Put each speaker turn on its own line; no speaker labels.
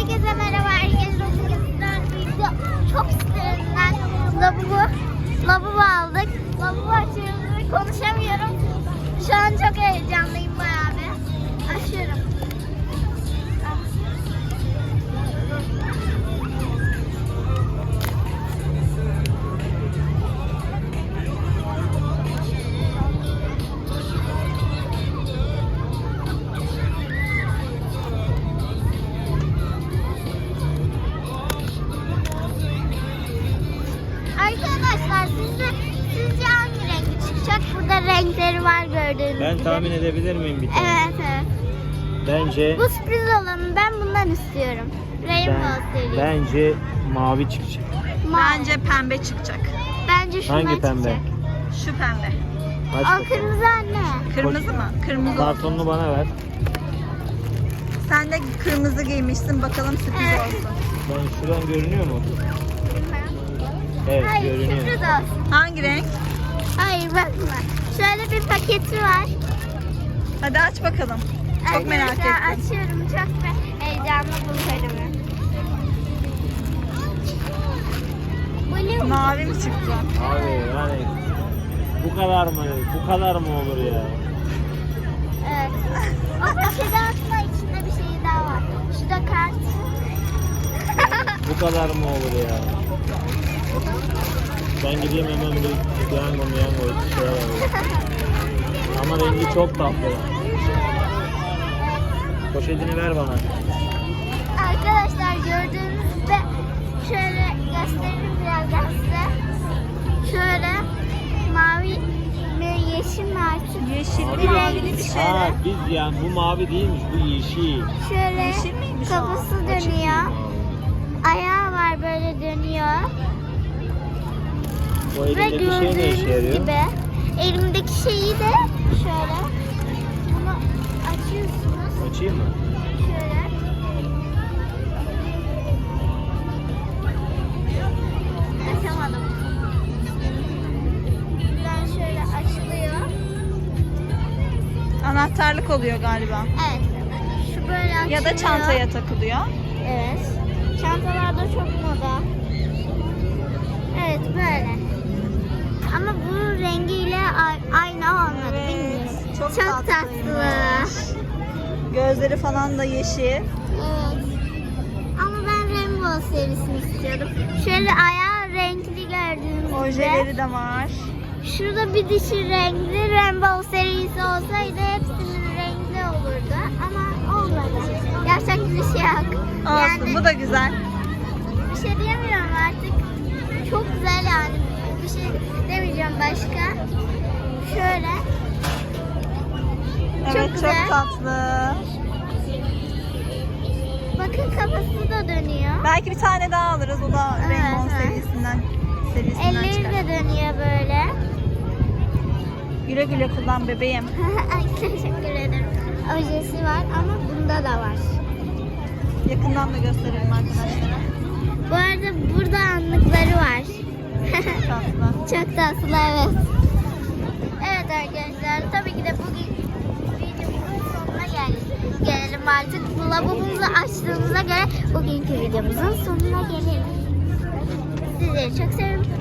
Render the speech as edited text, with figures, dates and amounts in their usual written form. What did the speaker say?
Herkese merhaba. Herkese video çok istediğimden lavabo aldık. Lavabo açıyoruz. Konuşamıyorum. Şu an çok heyecanlıyım bayağı bir. Açıyorum. Arkadaşlar sizce hangi rengi çıkacak? Burada renkleri var gördüğünüz gibi.
Ben tahmin edebilir miyim bir tane?
Evet.
Bence
Bu sürpriz olanı ben bundan istiyorum. Rainbow serisi.
bence mavi çıkacak.
Bence pembe çıkacak.
Bence şundan
Hangi pembe?
çıkacak.
Şu pembe.
Aç
O
bakalım.
kırmızı anne.
Kırmızı mı? Kırmızı.
Kartonunu bana ver.
Sen de kırmızı giymişsin. Bakalım sürpriz
Evet.
olsun.
Ben şuradan görünüyor mu? Evet,
Hayır,
görünüyor.
sürpriz olsun.
Hangi renk?
Hayır bakma. Şöyle bir paketi var.
Hadi aç bakalım. Çok merak ettim.
Arkadaşlar açıyorum. Çok heyecanlı buluyorum. Blue.
Mavi mi çıktı?
Abi yani bu kadar mı olur ya?
Evet. O paketi atma içinde bir şey daha var. Şurada kart.
Bu kadar mı olur ya? Ben gideyim hemen bir piyango bir şey alayım. Ama rengi çok tatlı. Poşetini ver bana.
Arkadaşlar gördüğünüzde şöyle gösteririm birazdan size. Şöyle mavi mi yeşil mi artık?
Yeşil
Bir
mavili
renk.
bir şey.
Ha biz yani bu mavi değilmiş, bu yeşil.
Şöyle
Yeşil miymiş o?
kafası
Açık
dönüyor.
mavi.
Ayağı var böyle dönüyor.
Bu
Ve
elindeki şey ne işe
gördüğünüz
yarıyor?
gibi elimdeki şeyi de şöyle bunu açıyorsunuz.
Açayım mı?
Şöyle. Açamadım. Buradan şöyle açılıyor.
Anahtarlık oluyor galiba.
Evet. Şu böyle açılıyor.
Ya da çantaya takılıyor.
Evet. Çantalarda çok moda. Evet böyle. Ama bunun rengiyle aynı olmadı.
Evet,
Bilmiyorum.
çok
tatlı.
tatlıymış. Gözleri falan da yeşil.
Evet. Ama ben Rainbow serisini istiyordum. Şöyle ayağı renkli gördüğünüz gibi.
Ojeleri de var.
Şurada bir dişi renkli Rainbow serisi olsaydı hepsinin renkli olurdu. Ama olmadı. Gerçek bir şey yok.
Olsun, bu da güzel.
Bir şey diyemiyorum artık. Çok güzel yani. Bir şey demeyeceğim başka. Şöyle.
Evet,
Çok
çok
güzel.
tatlı.
Bakın kafası da dönüyor.
Belki bir tane daha alırız. O da
Evet,
Rainbow
evet.
serisinden
Elleri
çıkar.
de dönüyor böyle.
Güle güle kullan bebeğim.
Ay teşekkür ederim. Ojesi var ama bunda da var.
Yakından da gösterelim arkadaşlara.
Bu arada burada anlıkları var.
Tatlı.
Çok tatlı evet. Evet arkadaşlar tabii ki de bugün videomuzun sonuna gelelim artık. Lavabumuzu açtığımıza göre bugünkü videomuzun sonuna gelelim. Sizleri çok seviyorum.